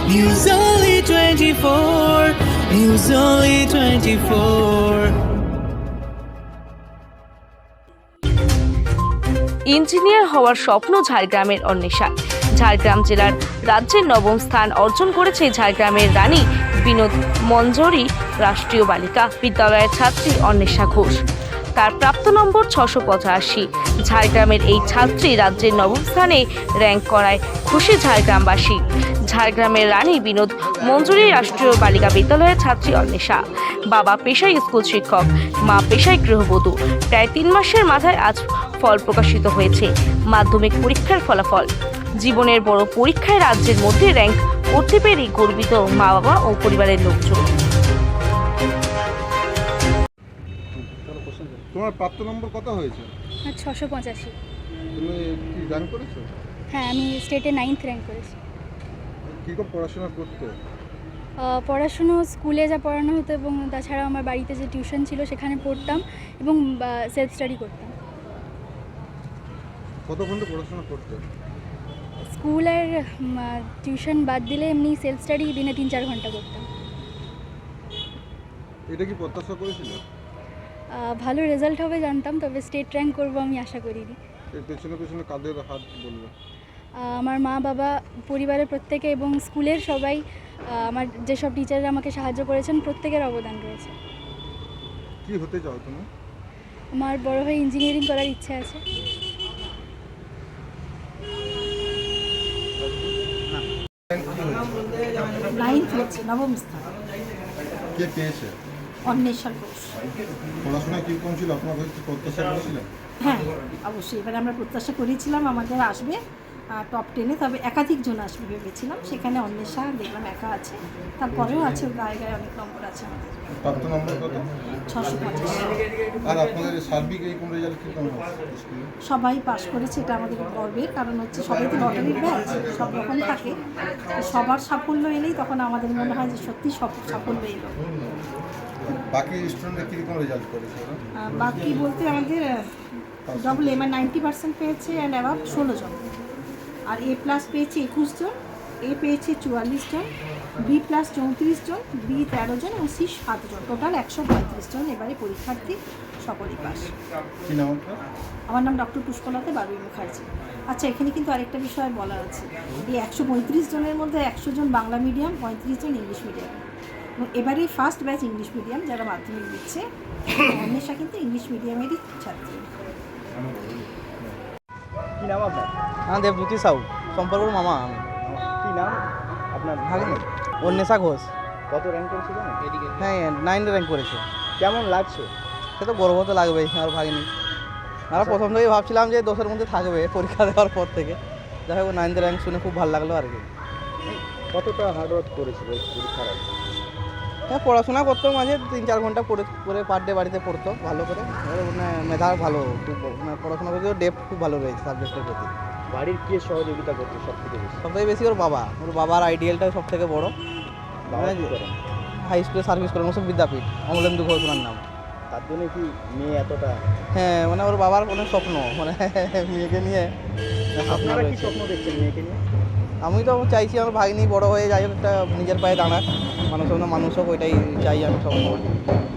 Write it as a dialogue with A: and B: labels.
A: News Only 24. News Only 24.
B: Engineer হওয়ার স্বপ্ন ঝাড়গ্রামের অন্বেষা। ঝাড়গ্রাম জেলার রাজ্যের নবম স্থান অর্জন করেছে ঝাড়গ্রামের রানী বিনোদ মঞ্জরি রাষ্ট্রীয় বালিকা বিদ্যালয়ের ছাত্রী অন্বেষা ঘোষ। তার প্রাপ্ত নম্বর 685। ঝাড়গ্রামের এই ছাত্রী রাজ্যের নবম স্থানে র্যাঙ্ক করায় খুশি ঝাড়গ্রামবাসী। ঝাড়গ্রামের রানী বিনোদ মঞ্জরি রাষ্ট্রীয় বালিকা বিদ্যালয়ের ছাত্রী অন্বেষা। বাবা পেশায় স্কুল শিক্ষক, মা পেশায় গৃহবধূ। প্রায় 3 মাসের মাথায় আজ ফল প্রকাশিত হয়েছে মাধ্যমিক পরীক্ষার ফলাফল। জীবনের বড় পরীক্ষায় রাজ্যের মধ্যে র্যাঙ্ক করতে পেরে গর্বিত মা বাবা ও পরিবারের লোকজন।
C: তোমার প্রাপ্ত নম্বর কত হয়েছে?
D: 685।
C: তুমি কি র্যাঙ্ক করেছো?
D: হ্যাঁ, আমি স্টেটে 9th র্যাঙ্ক করেছি।
C: কীরকম পড়াশোনা করতে?
D: পড়াশুনো স্কুলে যা পড়ানো হতো এবং তাছাড়া আমার বাড়িতে যে টিউশন ছিল সেখানে পড়তাম এবং সেলফ স্টাডি করতাম।
C: কত ঘন্টা পড়াশোনা করতে?
D: স্কুল আর টিউশন বাদ দিলে এমনি সেলফ স্টাডি দিনে 3-4 ঘন্টা করতাম।
C: এটা কি প্রত্যাশা করেছিল?
D: ভালো রেজাল্ট হবে জানতাম, তবে স্টেট র্যাঙ্ক করবো আমি আশা করিনি।
C: এর পেছনে পেছনে কাদের হাত বলবে?
D: আমার মা বাবা, পরিবারের প্রত্যেকে এবং স্কুলের সবাই, আমার যেসব টিচাররা আমাকে সাহায্য করেছেন প্রত্যেকের অবদান রয়েছে।
C: কি হতে চাও তুমি?
D: আমার বড় হয়ে ইঞ্জিনিয়ারিং করার ইচ্ছা আছে।
E: নাইন্থ হচ্ছে, নবম স্থান।
C: কে পেয়েছে?
E: অন্বেষা ঘোষ।
C: পড়াশোনা কীরকম ছিল? আপনার কি প্রত্যাশা করেছিলেন?
E: হ্যাঁ, অবশ্যই। এবারে আমরা প্রত্যাশা করেছিলাম আমাদের আসবে টপ 10-এ, তবে একাধিক জন আসবে ভেবেছিলাম। সেখানে অন্বেষা দেখলাম একা আছে, তারপরেও আছে, গায়ে গায়ে অনেক নম্বর আছে আমাদের।
C: প্রাপ্ত নম্বর কত?
E: 685।
C: আর আপনাদের সার্বিক এই কোন রেজাল্ট কীরকম হচ্ছে?
E: সবাই পাশ করেছে, এটা আমাদের গর্বের, কারণ হচ্ছে সবাই তো লটারির ব্যাচ, সব রকম থাকে। তো সবার সাফল্য এলেই তখন আমাদের মনে হয় যে সত্যি সব সাফল্য এলো।
C: বাকি স্টুডেন্টরা কীরকম রেজাল্ট করেছে?
E: বাকি বলতে আমাদের ডবল এ, মানে 90% পেয়েছে অ্যান্ড অ্যাবাভ 16 জন। আর এ প্লাস পেয়েছে 21 জন, এ পেয়েছে 44 জন, বি প্লাস 34 জন, বি 13 জন এবং সি 7 জন। টোটাল 135 জন এবারে পরীক্ষার্থী, সকলেই পাস।
C: কী নাম আপনার?
E: আমার নাম ডক্টর পুষ্পলতা বারুই মুখার্জি। আচ্ছা, এখানে কিন্তু আরেকটা বিষয় বলার আছে। এই 135 জনের মধ্যে 100 জন বাংলা মিডিয়াম, 35 জন ইংলিশ মিডিয়াম। এবং এবারেই ফার্স্ট ব্যাচ ইংলিশ মিডিয়াম যারা মাধ্যমিক দিচ্ছে। অন্বেষা কিন্তু ইংলিশ মিডিয়ামেরই ছাত্রী।
F: কী নাম আপনার?
G: হ্যাঁ, দেবজ্যোতি সাউ, সম্পর্কর মামা আমি।
F: কী নাম আপনার?
G: ভাগিনি অন্বেষা ঘোষ।
F: কত র্যাঙ্ক করেছিল?
G: হ্যাঁ, 9 র্যাঙ্ক করেছে।
F: কেমন লাগছে?
G: সে তো গর্ব তো লাগবেই আমার ভাগিনি। আমরা প্রথম থেকেই ভাবছিলাম যে 10-এর মধ্যে থাকবে পরীক্ষা দেওয়ার পর থেকে। যাই হোক, 9 র্যাঙ্ক শুনে খুব ভালো লাগলো আর কি।
F: কতটা হার্ডওয়ার্ক করেছিল পরীক্ষার আগে?
G: হ্যাঁ, পড়াশোনা করতো, মাঝে 3-4 ঘন্টা করে পার ডে বাড়িতে পড়তো ভালো করে। মানে মেধা ভালো, খুব মানে পড়াশোনা করতে ডেপথ খুব ভালো রয়েছে সাবজেক্টের প্রতি।
F: বাড়ির কে সহযোগিতা করছে সব থেকে বেশি?
G: সবথেকে বেশি ওর বাবার আইডিয়ালটা সব থেকে বড়।
F: বাবা কি করেন?
G: হাই স্কুলে সার্ভিস করেন, ওসব বিদ্যাপীঠ, অমলেন্দু ঘোষ ওনার নাম।
F: তার জন্য কি মেয়ে এতটা?
G: হ্যাঁ, মানে ওর বাবার অনেক স্বপ্ন, মানে মেয়েকে নিয়ে স্বপ্ন
F: আপনারা কি
G: রয়েছে।
F: স্বপ্ন দেখছেন মেয়েকে নিয়ে?
G: আমি তো চাইছি আমার ভাগ্নি বড় হয়ে যাই হোক, একটা নিজের পায়ে দাঁড়াক, মানুষ হোক, ওইটাই চাই আমি সবসময়।